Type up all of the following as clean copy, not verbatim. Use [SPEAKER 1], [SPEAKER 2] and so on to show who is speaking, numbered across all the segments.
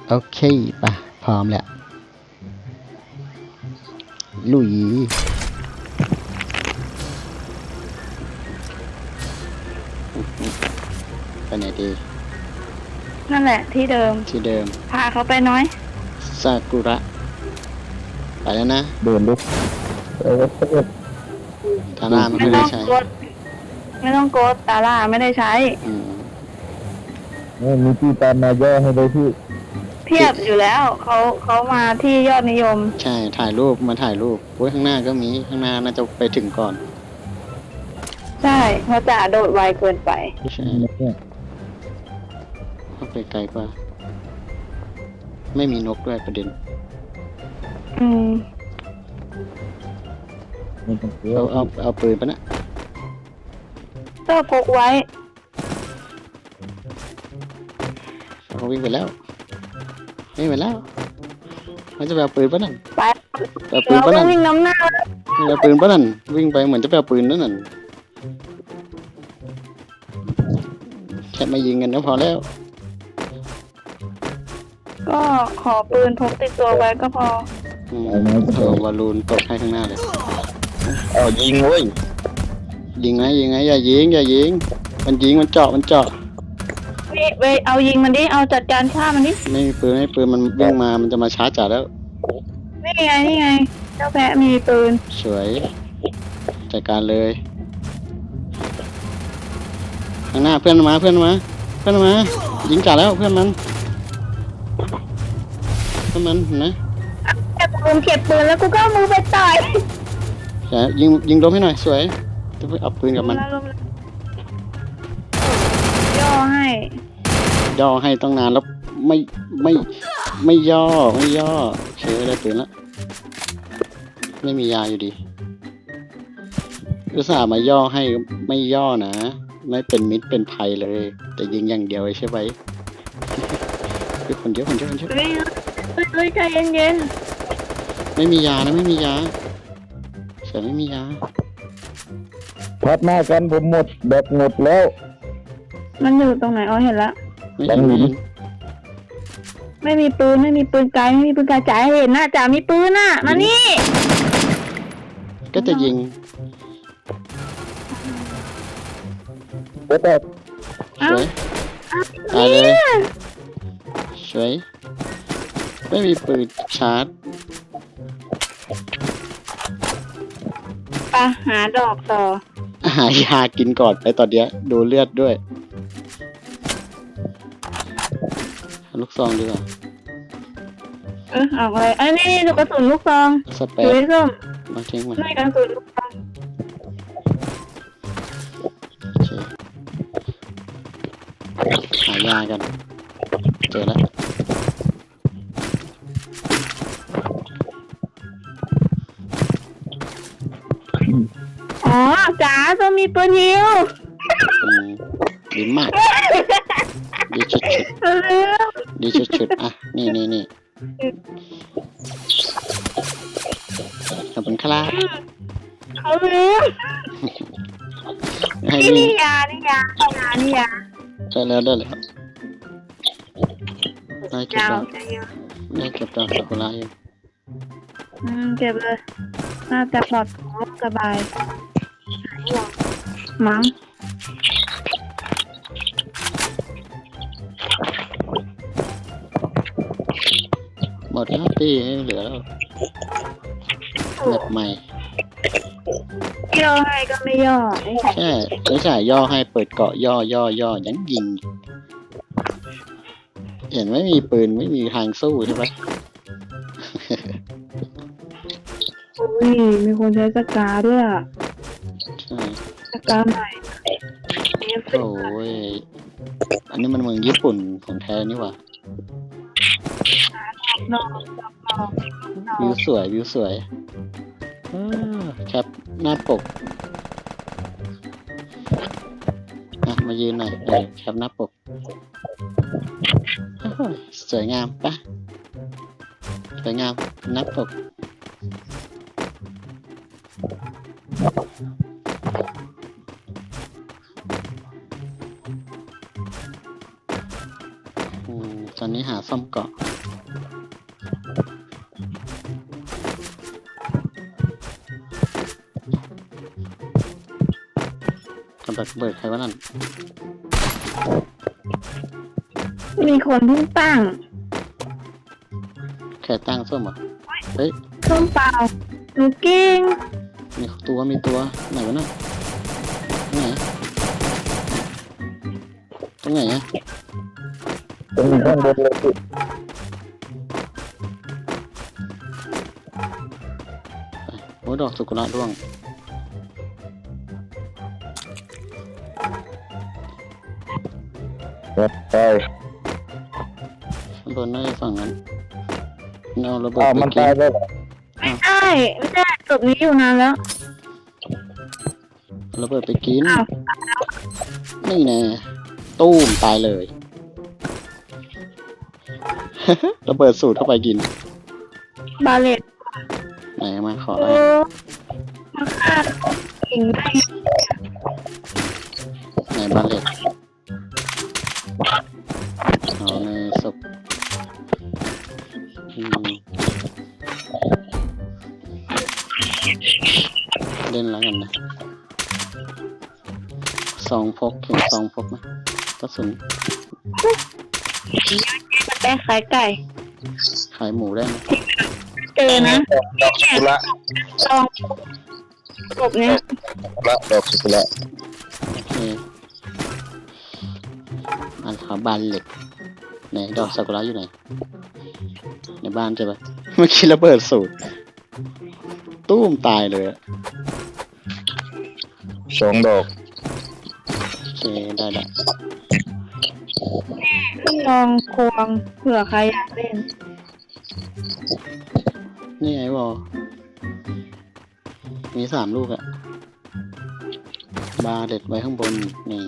[SPEAKER 1] โอเคปะพร้อมแล้วลุยไปไหนดี
[SPEAKER 2] นั่นแหละที่เดิมพาเขาไปน้อย
[SPEAKER 1] ซากุระไปแล้วนะ
[SPEAKER 3] เดินลุก
[SPEAKER 1] ทาร่าไม่ได้ใช้
[SPEAKER 2] ไม่ต้องโกดตาล่าไม่ได้ใช้
[SPEAKER 3] มีที่ตามมาย่อให้เลยพี่
[SPEAKER 2] เทียบอยู่แล้วเขามาที่ยอดนิยม
[SPEAKER 1] ใช่ถ่ายรูปมาถ่ายรูปโอ้ยข้างหน้าก็มีข้างหน้าน่าจะไปถึงก่อน
[SPEAKER 2] ใช่เพราะจ่าโดดไวเกินไป
[SPEAKER 1] ใช่เข้าไปไกลกว่าไม่มีนกด้วยประเด็นเอาปืนปะนะ
[SPEAKER 2] ก็พกไว้
[SPEAKER 1] เขาวิ่งไปแล้วมันจะไปเอาปืนปะนั่น
[SPEAKER 2] ไป
[SPEAKER 1] เอาปืนปะนั่น
[SPEAKER 2] วิ่งน้ำหน้า
[SPEAKER 1] เอาปืนปะนั่นวิ่งไปเหมือนจะไปเอาปืนนั่นแค่มายิงกันก็พอแล้ว
[SPEAKER 2] ก็ขอปืนพกติดตัวไว้ก็พอ
[SPEAKER 1] วาลูนตกให้ข้างหน้าเลย
[SPEAKER 3] ยิงเว้ย
[SPEAKER 1] ยิงไงอย่ายิงมันยิงมันเจาะ
[SPEAKER 2] เว้ยเอายิงมันดิเอาจัดการฆ่ามันดิ
[SPEAKER 1] ไม่มีปืนมันวิ่งมามันจะมาชาร์จจ่าแล้ว
[SPEAKER 2] นี่ไงเจ้าแพะมีปืน
[SPEAKER 1] สวยจัดการเลยข้างหน้าเพื่อนมายิงจ่าแล้วเพื่อนมันนะ
[SPEAKER 2] เก็บปืนแล้วกูก็มือไปต่อย
[SPEAKER 1] ยิงล้มให้หน่อยสวยจะไปเอาปืนกับมัน
[SPEAKER 2] ย่อ
[SPEAKER 1] ให้ต้องนานแล้วไม่ย่อเชื่อได้ปืนแล้วไม่มียาอยู่ดีอุตส่าห์มาย่อให้ไม่ย่อนะไม่เป็นมิตรเป็นภัยเลยแต่ยิงอย่างเดียวใช่ไหมคนเยอะ
[SPEAKER 2] เฮ้ยใจเย็น
[SPEAKER 1] ไม่มียานะเสียไม่มียา
[SPEAKER 3] พัดหน้ากันผมหมดแล้ว
[SPEAKER 2] มันอยู่ตรงไหนเห็นละไม่มีปืนไกลจ่ายเห็นนะจ่ามีปืนน่ะมานี่
[SPEAKER 1] ก็จะยิง
[SPEAKER 3] สวย
[SPEAKER 1] ตายเลยสวยไม่มีปืนชาร์จ
[SPEAKER 2] ไปหาดอกต่อ
[SPEAKER 1] หายากินก่อนไปตอนเนี้ยดูเลือดด้วยลูกซองดีกว่า
[SPEAKER 2] เอาอะไรนี่ดูกระสุนลูกซอง
[SPEAKER 1] สเปรย์
[SPEAKER 2] ส้ม
[SPEAKER 1] มาทิ้งมัน
[SPEAKER 2] ไม่กระสุนลูกซอง
[SPEAKER 1] หายากันเจอแล้ว
[SPEAKER 2] จ๋าจะมีปืนยิว
[SPEAKER 1] ดีมากดีชุดอ่ะนี่ขอบคุณครับ
[SPEAKER 2] เขาลืมนี่ยาได้แล้ว
[SPEAKER 1] ได้เก็บดอกซากุระอยู่
[SPEAKER 2] เก็บเลยน่าจะปลอดภัยสบายมั้ง
[SPEAKER 1] หมดแล้วตีเหลือแล้วแบบใหม่
[SPEAKER 2] ย่อให้ก็ไม่ย่อ
[SPEAKER 1] ไม่ใช่ย่อให้เปิดเกาะย่อยันยิงเห็นไม่มีปืนไม่มีทางสู้ใช่ไหม
[SPEAKER 2] มีคนใช้สกาด้วยสกาใหม่
[SPEAKER 1] โอ้ยอันนี้มันเมืองญี่ปุ่นของแท้นี่หว่าวิวสวยแคปหน้าปกมายืนหน่อยแคปหน้าปกสวยงามปะสวยงามหน้าปกตอนนี้นี้หาซ่อมเกาะกับดักเบิดใครวะนั่น
[SPEAKER 2] มีคนเพิ่งตั้ง
[SPEAKER 1] แค่ตั้งส้มเหรอเฮ้ย
[SPEAKER 2] ส้มเปล่าหนูกิ้ง
[SPEAKER 1] มีตัวไหนวะน่ะตรงไหนอะ
[SPEAKER 3] ตรงข้างบนเลยพี่
[SPEAKER 1] โอ้ยดอกสุกุระร่วง
[SPEAKER 3] ครับไป
[SPEAKER 1] ข้างบนน่าจะฝั่งนั้นเอาระเบิด
[SPEAKER 3] อ้าว
[SPEAKER 1] ไป
[SPEAKER 3] มัน
[SPEAKER 1] กิ
[SPEAKER 3] ตาย
[SPEAKER 1] น
[SPEAKER 3] แล้วเหรอ
[SPEAKER 2] ไม่ได้ศพนี้อยู่นานแล้ว
[SPEAKER 1] ระเบิดไปกิน
[SPEAKER 2] อ้าว
[SPEAKER 1] นี่แน่ตู้มตายเลย ระเบิดสูตรเข้าไปกิน
[SPEAKER 2] บาเลต
[SPEAKER 1] ไหนมาขอ
[SPEAKER 2] โอ้
[SPEAKER 1] อะไร
[SPEAKER 2] มาฆ่าเก่งได้
[SPEAKER 1] ไหนบาเลตเอาในศพเล่นแล้วกันนะซองพกเห็นซองพกไหมกระสุน
[SPEAKER 2] มันแป้ขายไก่
[SPEAKER 1] ขายหมูได้ไหม
[SPEAKER 2] เจอนะ
[SPEAKER 3] ดอกสุกุระ
[SPEAKER 2] ลองศพเนี้ย
[SPEAKER 3] ดอกสุกุระ
[SPEAKER 1] โอเคอันขาบานเหล็กไหนดอกซากุระอยู่ไหนในบ้านใช่ปะเมื่อกี้ระเบิดสูตรตู้มตายเลยอะ
[SPEAKER 3] 2 ดอก
[SPEAKER 1] โอเคได้ละ
[SPEAKER 2] ลองควงเผื่อใครอยากเล่น
[SPEAKER 1] นี่ไงวอมี3 ลูกอะบาเด็ดไว้ข้างบนนี่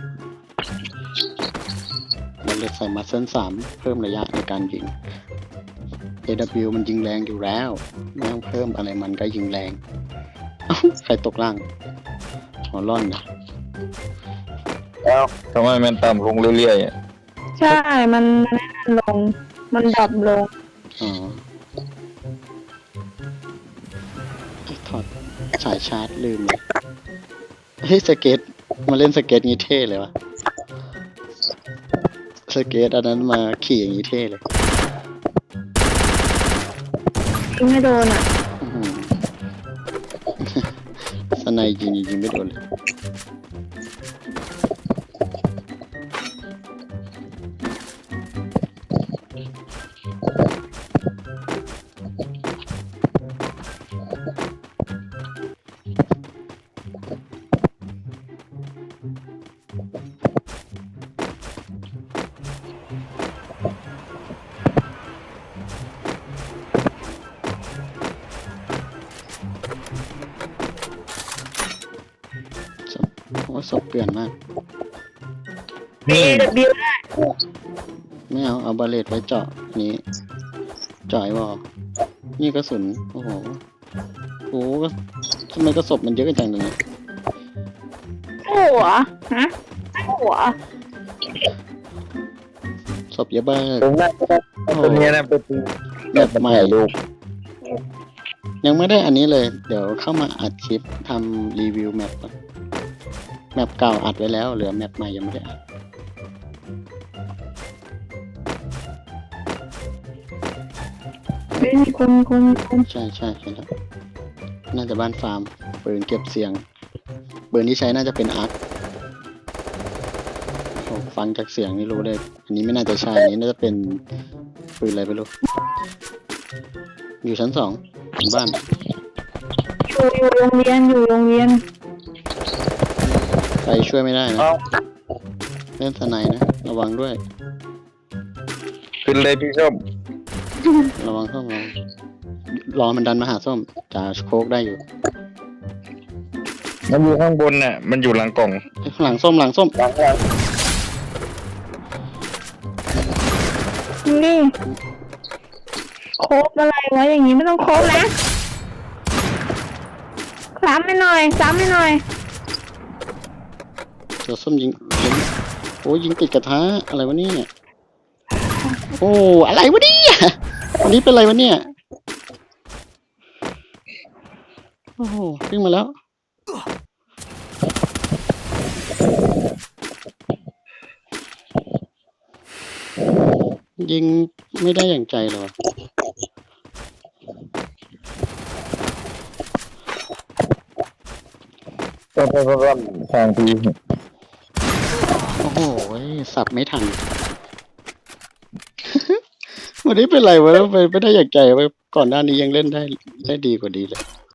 [SPEAKER 1] บาเด็ดใส่มาเส้น3เพิ่มระยะในการยิง AW มันยิงแรงอยู่แล้วไม่ต้องเพิ่มอะไรมันก็ยิงแรงเอ้าใครตกล่างหัวร่อนนะ
[SPEAKER 3] เอ้าทำไมมันต่ำลงเรื่อยๆอ่ะ
[SPEAKER 2] ใช่ มันลง มันดับลง
[SPEAKER 1] อ๋อถอดสายชาร์จลืมเลยเฮ้ยสเก็ตมาเล่นสเก็ตงี้เท่เลยวะสเก็ตอันนั้นมาขี่อย่างงี้เท่เลย
[SPEAKER 2] ยิงไม่โดนอ่ะ
[SPEAKER 1] อื้อหือ สไนยิงไม่โดนเลยโอ้ยศพเปลี่ยนมาก
[SPEAKER 2] AW ได้
[SPEAKER 1] ไม่เอาบาเลตไว้เจาะนี้เจาะไอ้วอลนี่กระสุนโอ้โหก็ทำไมกระสบมันเยอะกันจังเลย
[SPEAKER 2] หัวฮะหัว
[SPEAKER 1] ศพเยอะบ้าก
[SPEAKER 3] ผมน่าจะตัวนี้นะเป็น
[SPEAKER 1] แบบใหม่
[SPEAKER 3] ลูก
[SPEAKER 1] ยังไม่ได้อันนี้เลย เดี๋ยวเข้ามาอัดคลิปทำรีวิวแมปก่อนแมปเก่าอัดไว้แล้วเหลือแมปใหม่ยังไม่ได้อัด
[SPEAKER 2] ไม่มีคน
[SPEAKER 1] ใช่เห็นแล้วน่าจะบ้านฟาร์มปืนเก็บเสียงปืนที่ใช้น่าจะเป็นอาร์คโอ้ฟังจากเสียงนี่รู้เลย อันนี้ไม่น่าจะใช่อันนี้น่าจะเป็นปืนอะไรไม่รู้อยู่ชั้น2ของบ้าน
[SPEAKER 2] อยู่โรงเรียน
[SPEAKER 1] ไปช่วยไม่ได้นะ
[SPEAKER 3] เอ้า
[SPEAKER 1] เล่นสไนนะระวังด้วย
[SPEAKER 3] ขึ้นเลยพี่ส้ม
[SPEAKER 1] ระวังส้มรอมันดันมาหาส้มจะโคกได้อยู่
[SPEAKER 3] มันอยู่ข้างบนน่ะมันอยู่หลังกล่อง
[SPEAKER 1] หลังส้ม
[SPEAKER 3] หลัง
[SPEAKER 2] นี่โคบอะไรวะอย่างนี้ไม่ต้องโคบนะซ้ำให้หน่อย
[SPEAKER 1] เดี๋ยวส้มยิงโอ้ยยิงติดกระทะอะไรวะเนี่ยโอ้อะไรวะเนี่ยวันนี้เป็นอะไรวะเนี่ยโอ้โหวิ่งมาแล้วยิงไม่ได้อย่างใจเลยวะ
[SPEAKER 3] ก็ทางที
[SPEAKER 1] โอ้โหสับไม่ทัน วันนี้เป็นไรวะไม่ได้อย่างใจวะก่อนหน้านี้ยังเล่นได้ดีกว่าดีเลย